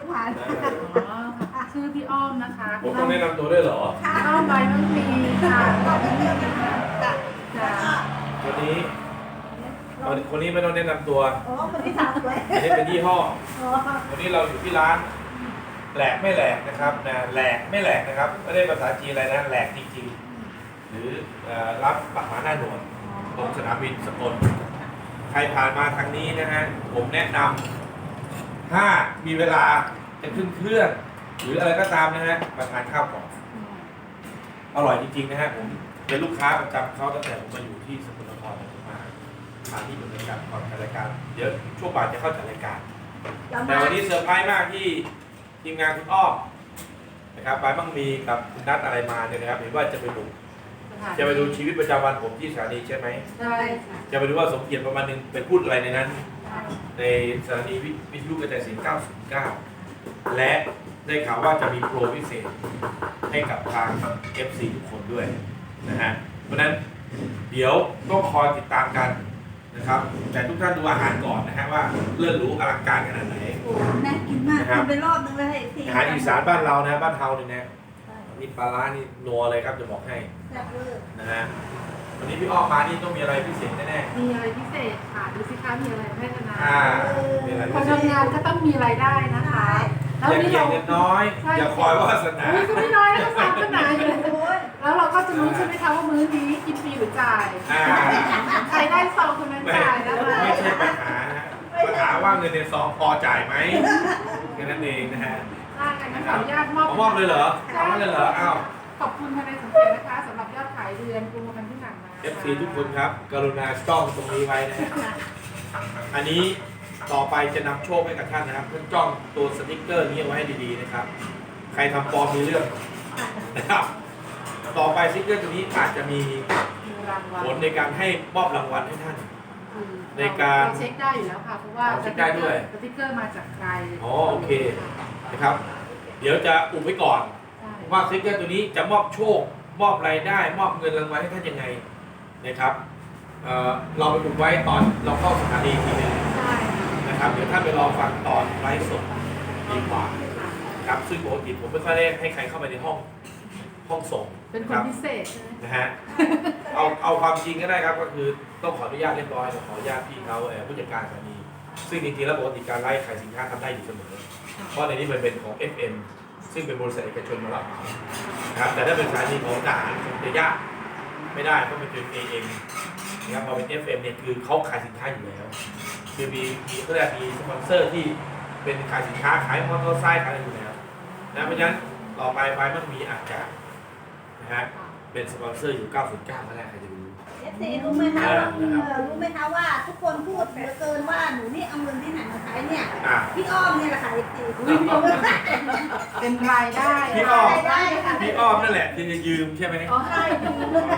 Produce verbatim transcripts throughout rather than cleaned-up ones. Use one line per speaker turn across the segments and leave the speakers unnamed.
ผ่าน
อ๋อชื่อพี่อ้อมนะคะ
ผมต้องแนะนำตัวด้วยเหรอ
พี่อ้อมใบมังมีค่ะจ้ะ
วันนี้คนนี้ไม่ต้องแนะนำตัว
โอ้คนที่สามเลย
อันนี้เป็นยี่ห้อ
โอ้
วันนี้เราอยู่ที่ร้านแหลกไม่แหลกนะครับนะแหลกไม่แหลกนะครับไม่ได้ภาษาจีนอะไรนะแหลกจริงๆหรือรับปักหมาหน้าหนวดตรงสนามบินสกลใครผ่านมาทางนี้นะฮะผมแนะนำถ้ามีเวลาจะขึ้นเครื่องหรืออะไรก็ตามนะฮะมาทานข้าวก่อนอร่อยจริงๆนะฮะผมเป็นลูกค้าประจำเขาตั้งแต่ผมมาอยู่ที่สกลนครมาทานที่บริการก่อนจัดรายการเดี๋ยวช่วงบ่ายจะเข้าจัดรายการแต่วันนี้เซอร์ไพรส์มากที่ทีมงานคุณอ้อมนะครับบายบังมีกับคุณนัทอะไรมาเนี่ยนะครับเห็นว่าจะไปดูจะไปดูชีวิตประจำวันผมที่สถานีใช่ไหม
ใช่ค่ะ
จะไปดูว่าสมเกียรติประมาณนึงไปพูดอะไรในนั้น ในสถานีวิทยุกระจายเสียงเก้าศูนย์เก้าและได้ข่าวว่าจะมีโปรพิเศษให้กับทาง เอฟ ซี ทุกคนด้วยนะฮะเพราะนั้นเดี๋ยวต้องคอยติดตามกันนะครับแต่ทุกท่านดูอาหารก่อนนะฮะว่าเลิศหรูอลังการขนาดไหน
โหน่ากินมากกินไปรอบนึงเลยที
อาหารอีสานบ้านเรานะบ้านเฮาเนี่ยนะนี่ปลาร้านี่นัวเลยครับจะบอกให้
แซ่บเลย
นะฮะวันนี้พี่อ้อมมานี่ต้องมีอะไรพิเศษแน่
มีอะไรพิเศษค่ะดูสิคะมีอะไรให้ธนา
ๆอ่ามีอะไร
ค
พิ
น
เศษ
ทำงานก็ต้องมีรายได้นะคะแล้ว
อย่า
นี่
เกีย
เรา
ดเงินน้อย อย่าคอยวาสนา
อุ้ยก็ไม่น้อยนะก็สามขนาดอยู่
โอ้ย
แล้วเราก็จะรู้ใช่ไหมคะว่ามื้อนี้กินฟรีหรือจ่าย
อ่า
ใครได้ซองคนนั้น
ไม่
จ่ายนะคะ
ไม่ใช่ปัญหานะฮะปัญหาว่าเงินในซองพอจ่ายไหมแค่นั้นเองนะฮะ
ได้กันงั้นขออนุญาตมอบ
เอามอบเลยเหรอเอามอบเลยเหรออ้าว
ขอบคุณทนายสมเกียรตินะคะสำหรับยอดขายเดือนกุมภาพันธ์ที่ผ่านมา
เอฟ ซี ทุกคนครับ กรุณาจ้องตรงนี้ไว้นะฮะอันนี้ต่อไปจะนำโชคให้กับท่านนะครับท่านจ้องตัวสติ๊กเกอร์นี้เอาไว้ให้ดีๆนะครับ ใครทำปลอมมีเรื่องนะครับต่อไปสติ๊กเกอร์ตัวนี้อาจจะมี
มีรางวัล
ผลในการให้มอบรางวัลให้ท่าน
คือ
ในการ
เเช็คได้อยู่แล้วค่ะเพราะว่า
อ๋อเช็คได้ด้วย
สติ๊กเกอร์มาจากใคร
อ๋อโอเคนะครับ เดี๋ยวจะอุบไว้ก่อน
ใช่
ว่าสติ๊กเกอร์ตัวนี้จะมอบโชค มอบรายได้ มอบเงินรางวัลให้ท่านยังไงนะครับเอ่อเราไปอุบไว้ตอนเราเข้าสถานีทีนึง
ใช่
นะครับ เดี๋ยวท่านไปรอฟังตอนไลฟ์สดดีกว่าครับซึ่งปกติผมไม่ค่อยได้ให้ใครเข้าไปในห้องห้องส่ง
เป็นค
รั
น
บ
พิเศษใช่ไหม
นะฮะ เอาเอาความจริงก็ได้ครับ ก็คือต้องขออนุญาตเรียบร้อยขออนุญาตพี่เขาเอ่อผู้จัดการสถานีซึ่งจริงๆแล้วปกติการไล่ขายสินค้าทำได้อยู่เสมอ เพราะในนี้มันเป็นของ เอฟ เอ็ม ซึ่งเป็นบริษัทเอกชนมารับเหมานะครับแต่ถ้าเป็นสถานีของทหารจะยากไม่ได้เพราะมันเป็น เอ เอ็ม นะครับพอเป็น เอฟ เอ็ม เนี่ยคือเขาขายสินค้าอยู่แล้วคือมีมีเขาเรียกมีสปอนเซอร์ที่เป็นขายสินค้าขายมอเตอร์ไซค์ขายอะไรอยู่แล้วนะเพราะฉะนั้นต่อไปไปมันมีอาจจะนะฮะเป็นสปอนเซอร์อยู่ เก้าศูนย์เก้า ก็ได้ใครจะรู้
เอฟซีรู้ไหมคะว่ารู้ไหมคะว่าทุกคนพูดเหลือเกินว่าหนูนี่เอาเงินที่ไหนมาใช้เนี่ย
อ่ะ
พี่อ้อมเนี่ยแหละค่ะเอฟซี
เป็นรายได้
พี่อ้อม
ได้ค่ะ
พี่อ้อมนั่นแหละที่จะยืมใช่ไหม
อ๋อ
ใช่ดู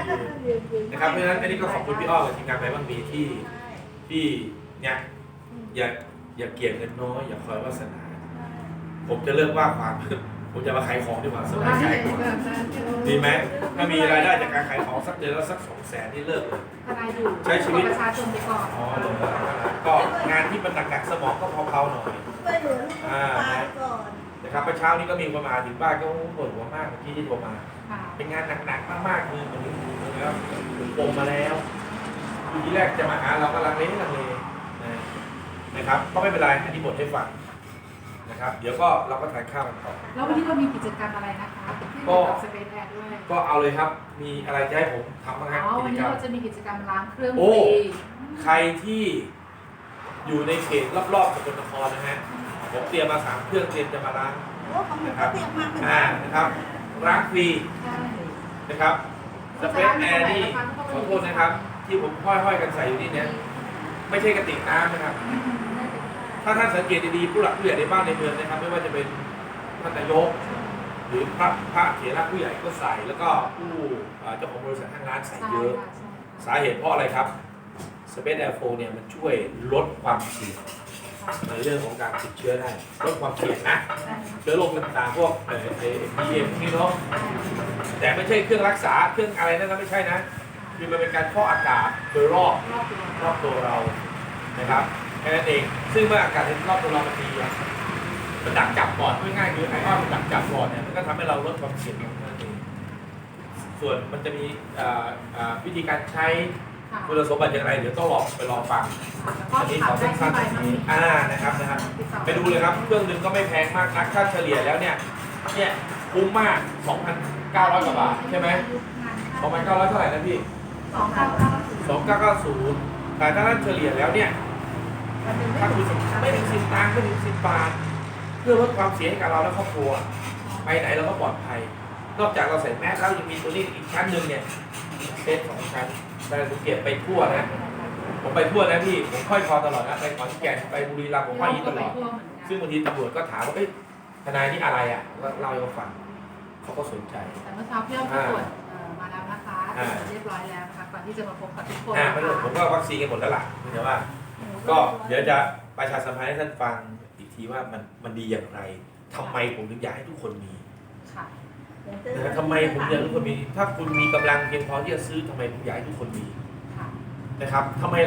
นะครับเพราะฉะนั้นอันนี้ก็ขอบคุณพี่อ้อมกับทีมงานไปบ้างมีที่ที่เนี่ยอย่าอย่าเกลียดเงินน้อยอย่าคอยวาสนา ผมจะเลิกว่าความ ผมจะมาขายของดีกว่าสบายใจกว่าดีไหมถ้ามีรายได้จากการขายของสักเดือนละสักสองแสนนี่เลิกเลย
ทนายอยู่
ใช้ชีวิต
ประชาชนไปก่อน
อ๋อลงมาก็งานที่มันหนักๆสมองก็เผาๆหน่อย
ช่วยเหลือลูกตาก่อน
นะครับเมื่อเช้านี้ก็มีคนมาถึงบ้านก็ปวดหัวมากเมื่อกี้ที่โทรมา
ค่ะ
เป็นงานหนักๆมากๆคือเหมือนนะครับผมปงมาแล้วทีแรกจะมาหาเราก็ลังเลลังเลนะนะครับก็ไม่เป็นไรอันนี้บทให้ฟังนะครับเดี๋ยวก็เราก็ทานข้าวกันต่อ
แล้ววันนี้เรามีกิจกรรมอะไรนะคะที่เกี่ยวกับสเปซแอร์ด้วย
ก็เอาเลยครับมีอะไรจะให้ผมทำบ้างค
อ๋
รับ
อ
กิ
วัน
จ
นี้
กรรม
เราจะมีกิจกรรมล้างเครื่อง
โอ้
ฟรี
ใครที่อยู่ในเขตรอบๆสกลนครนะฮะผมเตรียมมาสามเครื่องเตรียมจะมาล้าง
โอ้ของหนูก็เตรียมมาเป็น
อ่านะครับล้างฟรี
ใช่
นะครับสเปซแอร์นี่ขอโทษนะครับ ที่ผมห้อยๆกันใส่อยู่นี่เนี่ยไม่ใช่กระติกน้ำนะครับ ถ้าท่านสังเกตดีๆผู้หลักผู้ใหญ่ในบ้านในเมืองนะครับ ไม่ว่าจะเป็นท่านนายก หรือพระพระเถระผู้ใหญ่ก็ใส่แล้วก็ผู้เอ่อเจ้าของบริษัททางร้านใส่
ใช่
เยอะ
ค่ะใช่
สาเหตุเพราะอะไรครับ Space Air โฟร์ เนี่ยมันช่วยลดความเสี่ยงในเรื่องของการติดเชื้อได้ลดความเสี่ยงนะเชื้อโรคต่างๆพวกเอ่อไอ้บีเอ็มนี่เนาะแต่ไม่ใช่เครื่องรักษาเครื่องอะไรนั่นนะไม่ใช่นะคือมันเป็นการฟอกอากาศโดยรอบ
รอบตัว
รอบตัวเรานะครับแค่นั้นเองซึ่งเมื่ออากาศรอบตัวเรามันดีอะมันดักจับปอดง่ายๆคือไอออนมันดักจับปอดเนี่ยมันก็ทำให้เราลดความเสี่ยงลงนั่นเองส่วนมันจะมีอ่าอ่าวิธีการใช้
ค่ะ
คุณสมบัติอย่างไรเดี๋ยวต้องลองไปลองฟัง
แล้วก็
อันนี้
ถา
ขอ
มได้
สั้
ที่
นๆ
ใบ
ตรง
มัน
นี้อ่านะครับนะครับไปดูเลยครับเครื่องหนึงก็ไม่แพงมากนักค่าเฉลี่ยแล้วเนี่ยเนี่ยคุ้มมาก สองพันเก้าร้อย กว่าบาทใช่ไหม สองพันเก้าร้อย เท่าไหร่นะพี่
สองเก้าเก้า
สองพันเก้าร้อยเก้าสิบแต่ถ้าท่านเฉลี่ยแล้วเนี่ยถ้าคุณไม่ถึงสิบตังค์ไม่ถึงสิบบาทเพื่อลดความเสี่ยงให้กับเราและครอบครัวไปไหนเราก็ปลอดภัย นอกจากเราใส่แมสแล้วยังมีตัวนี้อีกชั้นหนึ่งเนี่ยเซตสองชั้นแต่ผมเก็บไปทั่วนะผมไปทั่วนะพี่ผมค่อยคอตลอดนะไปขอนแก่นไปบุรีรัมย์ผมค่อยยีตลอดซึ่งบางทีตำรวจก็ถามว่าเอ้ยทนายนี่อะไรอ่ะก็เล่าให้เขาฟังเขาก็สนใจ
แต่เมื่อเช้าพี่อ้อมก็ตรวจเอ่อมาแล้วนะคะ
อ่า
เรียบร้อยแล้วนะคะก่อนที่จะมาพบกับทุกคน
อ่า
นะ
ไม่
คะ
รู้ผมก็วัคซีนกันหมดแล้วล่ะแต่ว่า ก็เดี๋ยวจะประชาสัมพันธ์ให้ท่านฟังอีกทีว่ามันมันดีอย่างไรทำไมผมถึงอยากให้ทุกคนมี
ค่ะ
นะฮะทำไมผมอยากให้ทุกคนมี ถ้าคุณมีกำลังเพียงพอที่จะซื้อทำไมผมอยากให้ทุกคนมี
ค่ะ
นะครับทำไม